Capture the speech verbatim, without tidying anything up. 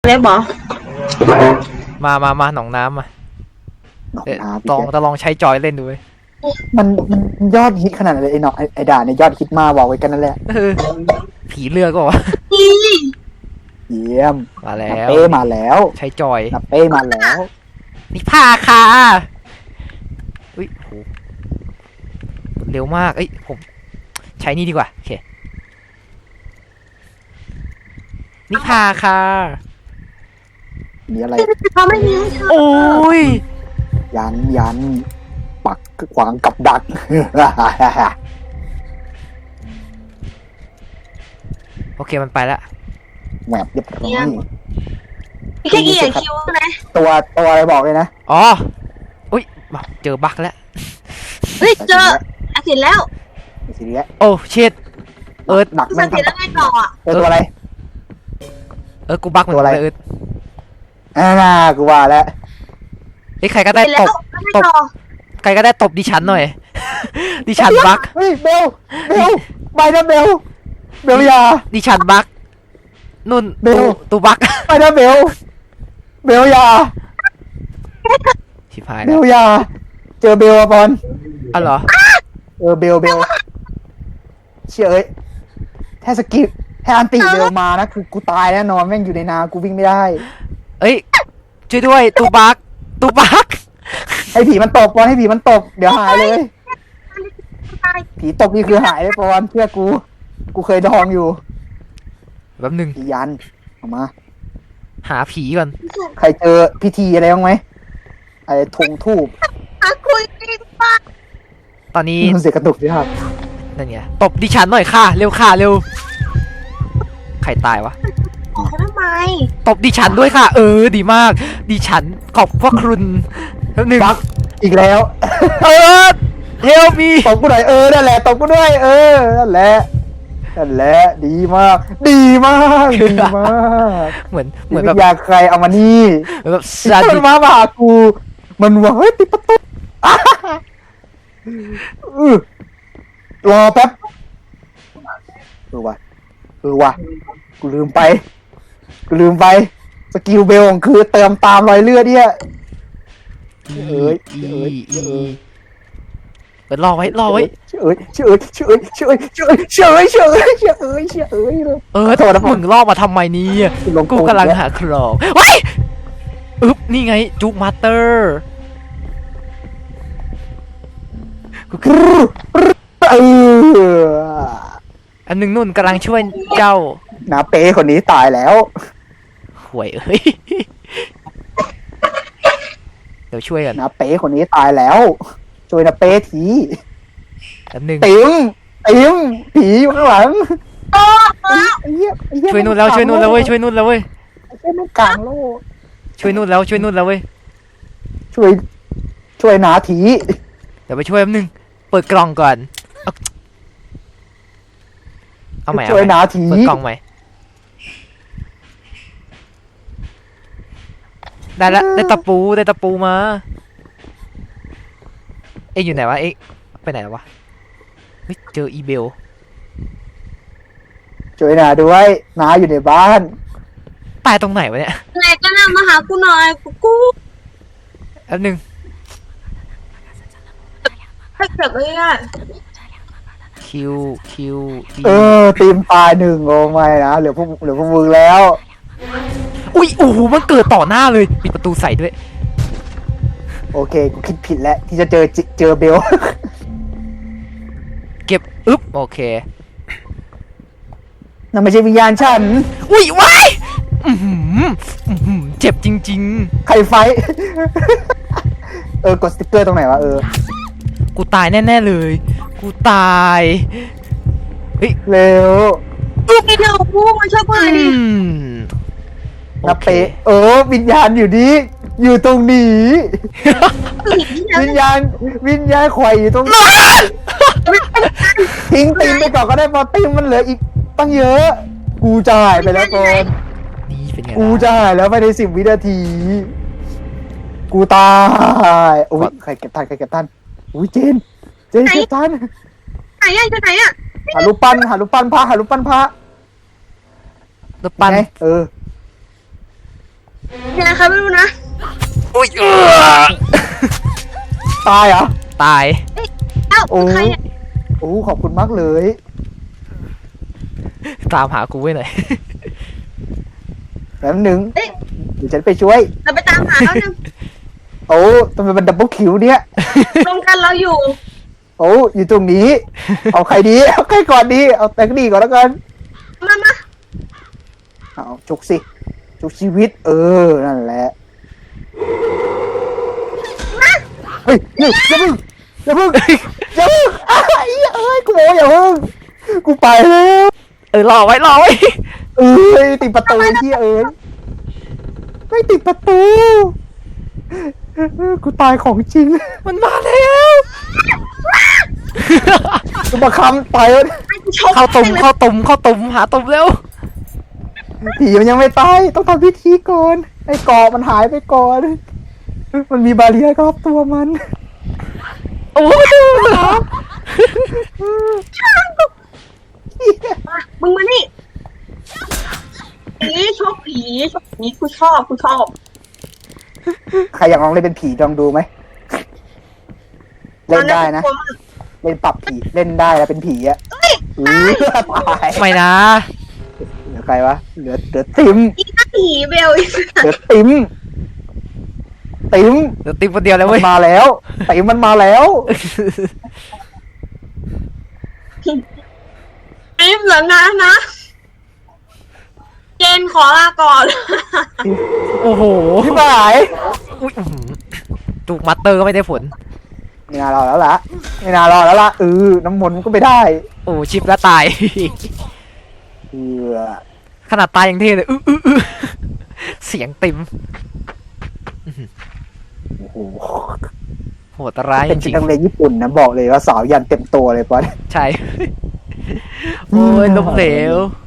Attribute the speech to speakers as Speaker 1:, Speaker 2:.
Speaker 1: เล็บหรอ
Speaker 2: มามามาหนองน้ำมาลองจะลองใช้จอยเล่นดู
Speaker 3: มันมันยอดฮิตขนาดไหนไอ้หนอไอ้ด่าเนี่ยยอดฮิตมากบอกไว้กันนั่นแหละ
Speaker 2: ผีเลือกก็วะ
Speaker 3: เยี่ยม
Speaker 2: มาแล้ว
Speaker 3: เป้มาแล้ว
Speaker 2: ใช้จอย
Speaker 3: เป้มาแล้ว
Speaker 2: นี่ผ้าค่ะอุ้ยโหเร็วมากเอ้ยผมใช้นี่ดีกว่าโอเคนี่ผ้าค่ะ
Speaker 3: มีอะไร
Speaker 1: เขาไม่มี
Speaker 2: โอ้ย
Speaker 3: ยันยันปักขวางกับดัก
Speaker 2: โอเคมันไปแล้ว
Speaker 3: แหวบเรียบร้อย
Speaker 1: พี่แค่เอียคิวนะ
Speaker 3: ตัวตัวอะไรบอกเลยนะ
Speaker 2: อ๋ออุ้ยเจอบั๊กแล้ว
Speaker 1: เฮ้ยเจออาเสร็จแล้ว
Speaker 3: สิเนี้ย
Speaker 2: โอ้เช็ดเอิร์ด
Speaker 3: ดัก
Speaker 1: มันเสร็จแล้วไงต่ออ่ะ
Speaker 3: เจอตัวอะไร
Speaker 2: เออกูบั๊กเหมือนกันเอิร์ด
Speaker 3: อ่ากูว่าแล้ว
Speaker 2: ไอ้ใครก็ได้ตบตบใครก็ได้ตบดิฉันหน่อยดิฉันบั๊ก
Speaker 3: เฮ้ยเบลเบลไปนะเบลเบลยา
Speaker 2: ดิฉันบั๊กนุ่น
Speaker 3: เบล
Speaker 2: ตูบั๊ก
Speaker 3: ไปนะเบลเบลยา
Speaker 2: ชิบหาย
Speaker 3: เบลยาเจอเบลอะบอล
Speaker 2: อ๋อเหรอ
Speaker 3: เออเบลเบลเชื่อเอ้ยแค่สกิปแค่อันติเบลมานะคือกูตายแน่นอนแม่งอยู่ในนากูวิ่งไม่ได้
Speaker 2: เอ้ยช่วยด้วยตูบั๊กตูบั๊ก
Speaker 3: ให้ผีมันตกบอลให้ผีมันตกเดี๋ยวหายเลยผีตกนี่คือหายเลยบอลเพื่อกูกูเคยดองอยู่
Speaker 2: แป๊บนึง
Speaker 3: ผียันออกมา
Speaker 2: หาผีก่อน
Speaker 3: ใครเจอพิธีอะไรบ้างไหมไอ้ธงทูบ
Speaker 1: คุยกันปะ
Speaker 2: ตอนนี้
Speaker 3: มันเสียกระตุกสิครับ
Speaker 2: นั่นไงตบดิฉันหน่อยค่ะเร็วค่ะเร็วใครตายวะ
Speaker 1: เขาทำไม
Speaker 2: ตบดิฉันด้วยค่ะเออดีมากดิฉันขอบพระคุณหนึ่ง
Speaker 3: อีกแล้ว
Speaker 2: เออเฮลมี
Speaker 3: ตบกูหน่อยเออนั่นแหละตบกูด้วยเออนั่นแหละนั่นแหละดีมากดีมากดีมาก
Speaker 2: เหมือนเหมือนแบบ
Speaker 3: อยากใครเอามานี่
Speaker 2: แบบ
Speaker 3: มันมาบ่ากูมันว่าเฮ้ยปิดประตูรอแป๊บเออว่ะเออว่ะกูลืมไปกูลืมไปสกิลเบลของคือเติมตามรอยเลือดเนี่ยเอ้ยเอ้ยเอ้ย
Speaker 2: เปิดรอไว้รอไว้
Speaker 3: เอ้ยเอ้ยเอ้ยเอ้ยเอ้ยเอ้ยเอ้ยเอ้ยเอ้ยเอ้ยเอ้ยเอ้ย
Speaker 2: เออแต่มึงล่อมาทำไมนี่กูกำลังหาครองว้ายอึ๊บนี่ไงจุกมาสเตอร์
Speaker 3: เออ
Speaker 2: อันหนึ่งนุ่นกำลังช่วยเจ้า
Speaker 3: นาเป้คนนี้ตายแล้ว
Speaker 2: ห่วยเอ้ยเดี๋ยวช่วยกัน
Speaker 3: นาเป้คนนี้ตายแล้วช่วยนาเป้ที
Speaker 2: อันหนึ่ง
Speaker 3: ติ๋มติ๋มผีอยู่ข้างหลัง
Speaker 2: ช่วยนุ่นแล้วช่วยนุ่นแล้วเว้ยช่วยนุ่นแล้วเว้ย
Speaker 3: ช่วยนุ่นกลางโลก
Speaker 2: ช่วยนุ่นแล้วช่วยนุ่นแล้วเว้ย
Speaker 3: ช่วยช่วยนาที
Speaker 2: เดี๋ยวไปช่วยแป๊บนึงเปิดกล่องก่อนเอาใหม่
Speaker 3: ช่วยนาที
Speaker 2: เปิดกล่องใหม่ได้ละได้ตะปูได้ตะปูมาเอ๊ะอยู่ไหนวะเอ๊ะไปไหนวะเฮ้ยเจออีเบล
Speaker 3: ช่วยนาด้วยนาอยู่ในบ้าน
Speaker 2: ตายตรงไหนวะเนี่ย
Speaker 1: ไหนก็นำมาหากูหน่อยกูกู
Speaker 2: แป๊บนึง
Speaker 1: ให้เก็บไว้อ่ะ
Speaker 2: คิวคิว
Speaker 3: เออทีมตายหนึ่งโอ้ไม่นะเหลือพวกเหลือพวกมึงแล้ว
Speaker 2: อุ้ยโอ้โหมันเกิดต่อหน้าเลยปิดประตูใส่ด้วย
Speaker 3: โอเคกูคิดผิดแล้วที่จะเจอเจอเบล
Speaker 2: เก็บอึ๊บโอเค
Speaker 3: นั่นไม่ใช่วิญญาณฉัน
Speaker 2: อุ้ยว้ายเจ็บจริง
Speaker 3: ๆใครไฟเออกดสติ๊กเกอร์ตรงไหนวะเออ
Speaker 2: กูตายแน่ๆเลยกูตายเฮ้ย
Speaker 3: เร็ว
Speaker 1: กูไปเดี๋ยวกูมาช่วยกูหน่อยดิ
Speaker 3: นาเปเออวิญญาณอยู่นี้อยู่ตรงนี้วิญญาณวิญญาณไข่อยู่ตรงนี้ทิ้งตีมไปก่อนก็ได้พอตีมมันเหลืออีกตั้งเยอะกูจะหายไปแล้วก่อนกูจะหายแล้วไปในสิบวินาทีกูตายโอ้ยใครเก็บทันใครเก็บทันอุ้ยเจนเจนเก็บทัน
Speaker 1: ไหนอ่ะจะไหนอ่ะ
Speaker 3: หารูปปั้นหารูปปั้นพระหารูปปั้นพระ
Speaker 2: รูปปั้น
Speaker 3: เออ
Speaker 1: เนี่ยใครไม่รู้นะ
Speaker 2: อุ้ยเออ
Speaker 3: ตายเหรอ
Speaker 2: ตาย
Speaker 1: เอ้า
Speaker 3: โอ้
Speaker 1: ใครเนี่ย
Speaker 3: โอ้ขอบคุณมากเลย
Speaker 2: ตามหากูไว้หน่อย
Speaker 3: แป๊บนึงเดี๋ยวฉันไปช่วย
Speaker 1: เราไปตามหาแล้วนึง
Speaker 3: โอ้ทำไมมันดับเบิลคิวเนี่ย
Speaker 1: รวมกันเราอยู่
Speaker 3: โอ้อยู่ตรงนี้ เอาใครดีเอาใครก่อนดีเอาแตงดีก่อนแล้วกัน
Speaker 1: มามา
Speaker 3: เอาจุกสิจุกชีวิต เออนั่นแหละเฮ้ยเฮ้ยอย่าเพิ่งอย่าเพิ่งอย่าเพิ่งอ้ายเอ้ยกูบอกว่าอย่าเพิ่งกูไปแล้ว
Speaker 2: เออรอไว้รอไว้
Speaker 3: เอ้ยติดประตูที่เอ้ยไม่ติดประตูกูตายของจริง
Speaker 2: มันมาแล้ว
Speaker 3: กูมาคำตายแล้ว
Speaker 1: ไอ้กูชก
Speaker 2: เข้าตุ่มเข้าตุ่มเข้าตุ่มหาตุ่มเร็ว
Speaker 3: ผีมันยังไม่ตายต้องทำพิธีก่อนไอ้กรอบมันหายไปก่อน มันมีบาเรียร์รอบตัวมัน
Speaker 2: โอ้ยดูเหรอ
Speaker 1: มามึงมานี่ผีชกผีชกผีกูชอบกูชอบ
Speaker 3: ใครอยากลองเล่นเป็นผีลองดูไหมเล่นได้นะ
Speaker 1: ตอกูกลัวมาก
Speaker 3: เล่นปรับผีเล่นได้แล้วเป็นผีอะอือตาย
Speaker 2: ไม่นะ
Speaker 3: เหลือใครวะเหลือเหลือติ๋ม
Speaker 1: อีกผีเบลอีก
Speaker 3: เหลือติ๋มติ๋ม
Speaker 2: เดี๋ยวติ๊บคนเดียวแล้ว
Speaker 3: มั
Speaker 2: เว้ย
Speaker 3: นมาแล้วติ๋มมันมาแล้ว
Speaker 1: รีบเหลืองานนะเจนขอลาก่อน
Speaker 2: โอ้โห
Speaker 3: พี่หมาย
Speaker 2: อุ๊ยอื้อหือจูกมัตเตอร์ก็ไม่ได้ผล
Speaker 3: ไม่น่ารอแล้วล่ะไม่น่ารอแล้วล่ะเออน้ำมนต์มันก็ไม่ได้
Speaker 2: โอ้ชิปแล้วตาย
Speaker 3: เออ
Speaker 2: ขนาดตายยังเท่เลยอื้ออื้ออื้อเสียงติม
Speaker 3: โอ้โห
Speaker 2: โหดร้ายจ
Speaker 3: เป็น
Speaker 2: ริง
Speaker 3: นักเรียนญี่ปุ่นนะบอกเลยว่าสาวยันเต็มตัวเลยปอน
Speaker 2: ๆใช่ โอ้ยล้มเหลว